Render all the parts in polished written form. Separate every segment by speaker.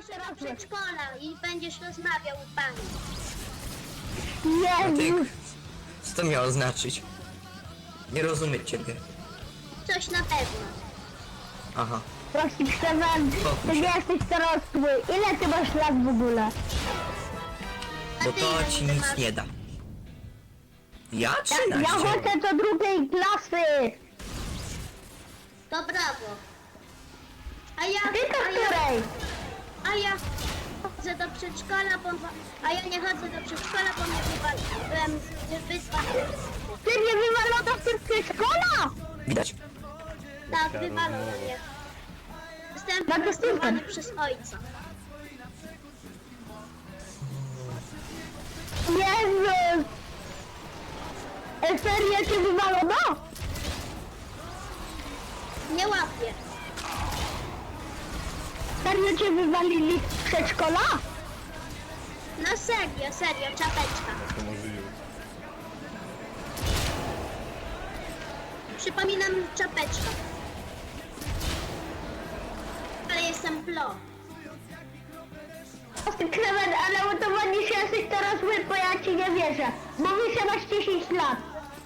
Speaker 1: do przedszkola i będziesz rozmawiał z pani.
Speaker 2: Jezus!
Speaker 3: Co to miało znaczyć? Nie rozumiem ciebie.
Speaker 1: Coś na pewno.
Speaker 3: Aha.
Speaker 2: Prosi Przemek, ty nie jesteś dorosły. Ile ty masz lat w ogóle?
Speaker 3: Bo
Speaker 1: ty
Speaker 3: to
Speaker 1: ile
Speaker 3: ci
Speaker 1: ty
Speaker 3: nic
Speaker 1: masz?
Speaker 3: nie da. Ja
Speaker 2: Ja
Speaker 3: 13.
Speaker 2: chodzę do drugiej klasy.
Speaker 1: To brawo. A ja,
Speaker 2: Ty do
Speaker 1: a ja,
Speaker 2: której?
Speaker 1: a ja chodzę do przedszkola, a ja nie chodzę do przedszkola, bo mnie byłem wyzwany.
Speaker 2: Ty mnie wywalono z tym przedszkola?
Speaker 3: Widać.
Speaker 1: Tak, wywalono mnie. Zostałem
Speaker 2: Na to
Speaker 1: wyprostowany
Speaker 2: super.
Speaker 1: przez ojca.
Speaker 2: Jezus! Serio cię wywalono?
Speaker 1: Nie łapię.
Speaker 2: Serio cię wywalili z przedszkola?
Speaker 1: No serio, czapeczka.
Speaker 4: To możliwe.
Speaker 1: Przypominam czapeczka. Ale jestem plo.
Speaker 2: Klemen, ale udowodnisz, że jesteś dorosły, bo ja ci nie wierzę. Mówisz, że masz 10 lat.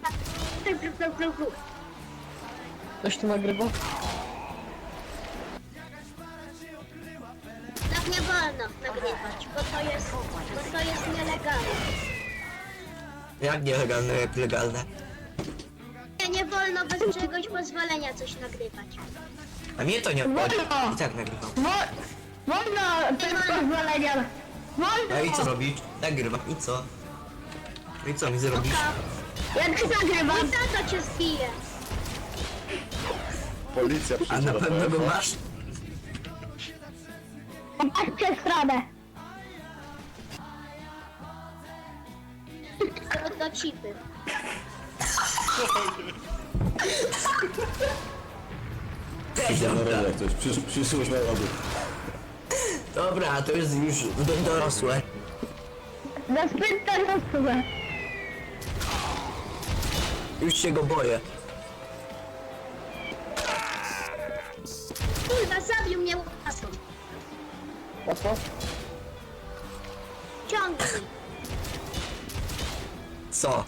Speaker 5: Ktoś tu nagrywa?
Speaker 1: Tak nie wolno nagrywać, bo to jest nielegalne.
Speaker 3: Jak nielegalne, jak legalne.
Speaker 1: Nie wolno bez czegoś pozwolenia coś nagrywać.
Speaker 3: A mnie to nie obchodzi.
Speaker 2: Wolno.
Speaker 3: I tak nagrywam.
Speaker 2: Wolno bez pozwolenia. Wolno.
Speaker 3: A i co robisz? Nagrywam. I co? I co mi zrobisz?
Speaker 2: Jak się nagrywa?
Speaker 1: Mój tato cię zbije.
Speaker 4: Policja
Speaker 3: A
Speaker 4: przyjdzie
Speaker 3: na pewno go masz?
Speaker 2: Masz przez stronę.
Speaker 1: Do chipy.
Speaker 3: Dobra.
Speaker 4: jak coś, przyszłość narodu.
Speaker 3: Dobra, to jest już dorosłe.
Speaker 2: Za zbyt dorosłe.
Speaker 3: Już się go boję.
Speaker 1: Kurwa, zabił mnie łapą.
Speaker 5: Po co?
Speaker 1: Ciągnij.
Speaker 3: Co?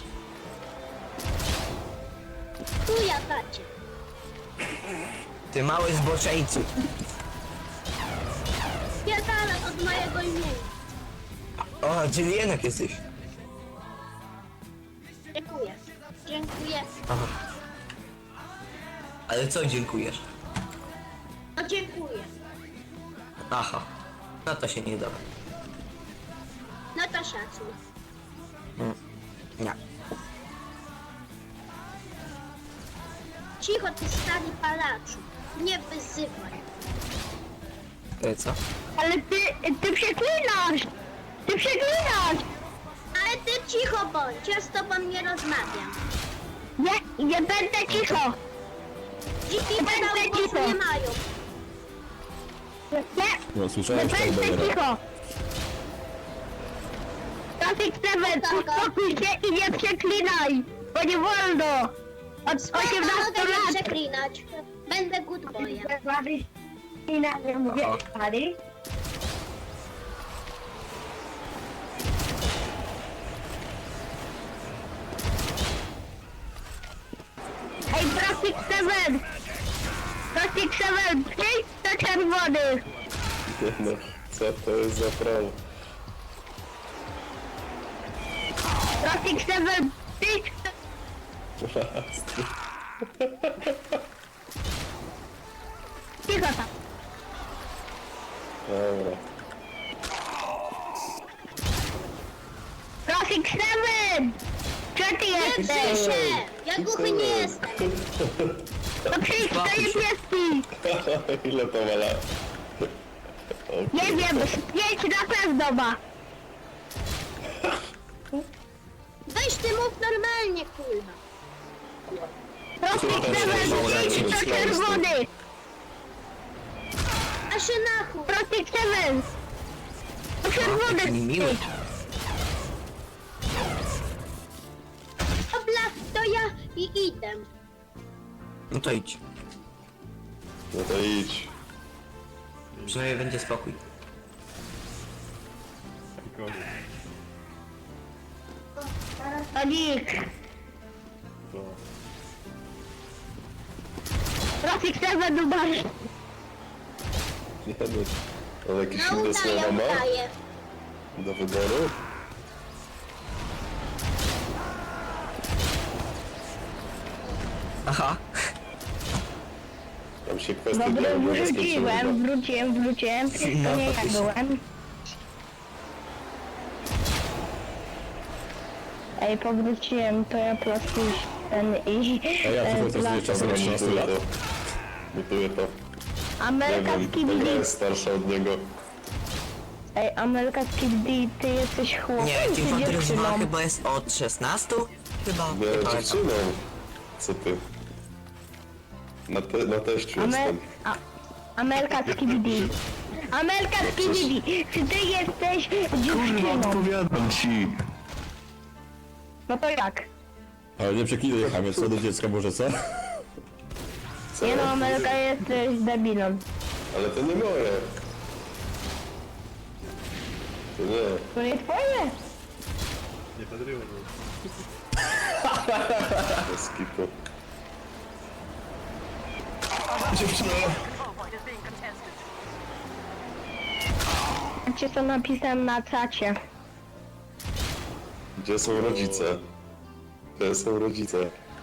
Speaker 1: Chuja tacie.
Speaker 3: Ty mały zboczeńcu.
Speaker 1: Pierdala od mojego imienia.
Speaker 3: O, czyli jednak jesteś.
Speaker 1: Dziękuję. Dziękuję.
Speaker 3: Aha. Ale co dziękujesz?
Speaker 1: No dziękuję.
Speaker 3: Aha. No to się nie da.
Speaker 1: No to szacunek.
Speaker 3: Nie.
Speaker 1: Cicho ty stary palaczu. Nie wyzywaj.
Speaker 3: Co?
Speaker 2: Ale ty przeklinasz. Ty przeklinasz.
Speaker 1: Ale ty cicho bądź, ja z tobą nie rozmawiam.
Speaker 2: Nie będę cicho.
Speaker 1: Dziki
Speaker 2: Będę
Speaker 1: pedały głosu
Speaker 2: cicho.
Speaker 1: nie mają.
Speaker 2: Nie.
Speaker 4: No słyszałem, że tak
Speaker 2: Będę
Speaker 4: dobra.
Speaker 2: cicho. Trafik Seven, uspokój się i nie przeklinaj, bo nie wolno. Od 18
Speaker 1: Mogę nie
Speaker 2: lat.
Speaker 1: przeklinać. Będę good boyem.
Speaker 2: Nie mówię,
Speaker 3: Aha.
Speaker 2: stary. Ej, Trafik Seven! Trafik Seven, przyjdź do czerwonych!
Speaker 4: No, co to jest za prawo?
Speaker 2: Trafik Seven, przyjdź do... Cicho tam.
Speaker 4: Dobra.
Speaker 2: Trafik Seven! Gdzie ty
Speaker 1: Nie drzyj
Speaker 2: jesteś?
Speaker 1: się! Ja głuchy nie jestem.
Speaker 2: No przyjdź do
Speaker 3: Spokój się.
Speaker 2: niebieski!
Speaker 4: Ile to ma lat?
Speaker 2: Nie wiem, z 5 na pewno ma.
Speaker 1: Weź ty mów normalnie, kurwa.
Speaker 2: Trafik Seven, przyjdź do czerwonych!
Speaker 1: A się na chuj.
Speaker 2: Trafik Seven! Do
Speaker 3: Jaki
Speaker 2: czerwonych!
Speaker 3: miły.
Speaker 1: Dobra, to ja i idę.
Speaker 3: No to idź.
Speaker 4: No to idź.
Speaker 3: Przynajmniej będzie spokój.
Speaker 2: Sonic! Trafik 7 numer!
Speaker 4: Nie no. On jakieś
Speaker 1: No
Speaker 4: inne
Speaker 1: udaje,
Speaker 4: słowa ma
Speaker 1: udaje.
Speaker 4: do wyboru?
Speaker 3: Aha.
Speaker 4: Tam się kwestie
Speaker 2: Dobra,
Speaker 4: dialogowe skończyły.
Speaker 2: wróciłem.
Speaker 3: No,
Speaker 2: To nie ja
Speaker 3: faktycznie.
Speaker 2: byłem. Ej, powróciłem, to ja plastuś ten i...
Speaker 6: A ja tylko to sobie czasem na 13
Speaker 4: Mutuję
Speaker 6: lat.
Speaker 4: to. Mutuję to. Nie
Speaker 2: Amelka
Speaker 4: wiem,
Speaker 2: Skibidi.
Speaker 4: Olga jest starsza od niego.
Speaker 2: Ej, Amelka Skibidi, ty jesteś chłopem
Speaker 3: Nie,
Speaker 2: czy
Speaker 3: Team Fortress 2
Speaker 2: dziewczyną?
Speaker 3: chyba jest od 16? Chyba.
Speaker 4: Nie,
Speaker 3: Nie pamiętam.
Speaker 4: dziewczyną. Co ty? Na teściu
Speaker 2: Amel...
Speaker 4: jestem.
Speaker 2: Amelka Skibidi. Amelka Skibidi, czy ty jesteś dziewczyną?
Speaker 4: odpowiadam ci.
Speaker 2: No to jak?
Speaker 6: Ale nie przeklinaj, chamie, co do dziecka może, co?
Speaker 4: Co?
Speaker 2: Nie no, Amelka jesteś debilem.
Speaker 4: Ale to nie moje. To nie.
Speaker 2: To nie twoje?
Speaker 4: Bez kitu.
Speaker 2: Cię to napisałem na czacie.
Speaker 4: Gdzie są rodzice? Gdzie są rodzice?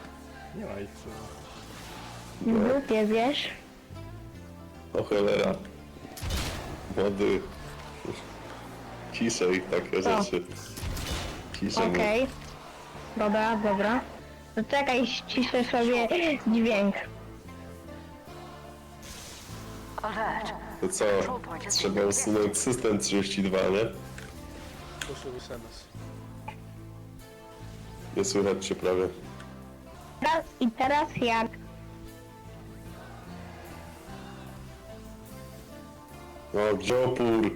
Speaker 2: W grupie, wiesz?
Speaker 4: O cholera. Młody. Ciszej takie
Speaker 2: Co?
Speaker 4: rzeczy. Ciszej.
Speaker 2: Okej. Dobra. To czekaj, ściszę sobie dźwięk.
Speaker 4: To co? Trzeba usunąć system 32, nie? Nie słychać cię prawie.
Speaker 2: Teraz jak?
Speaker 4: O, gdzie opór?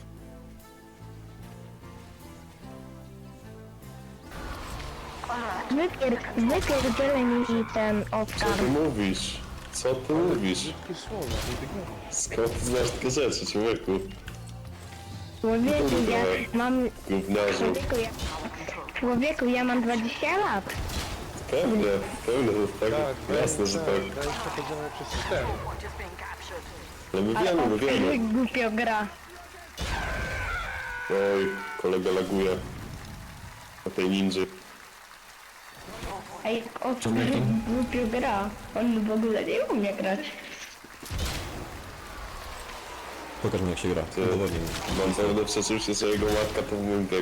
Speaker 2: Wypierdzielę mi ten
Speaker 4: Co
Speaker 2: Oskar.
Speaker 4: ty mówisz? Co ty mówisz? Skąd ty znasz takie rzeczy, człowieku?
Speaker 2: Człowieku, ja mam...
Speaker 4: Gówniarzu.
Speaker 2: Człowieku, ja mam 20 lat.
Speaker 4: Pewnie, tak. Jasne, że tak.
Speaker 5: Przechodzimy przez system.
Speaker 4: Ale my wiemy.
Speaker 2: Głupio gra.
Speaker 4: Oj, kolega laguje. Na tej ninży.
Speaker 2: Ej, Oskar głupio gra. On w ogóle nie umie grać.
Speaker 6: Pokaż mi jak się gra.
Speaker 4: Ty,
Speaker 6: Udowodnij mi.
Speaker 4: mam pewne przeczucie, że jego matka to w moim wieku.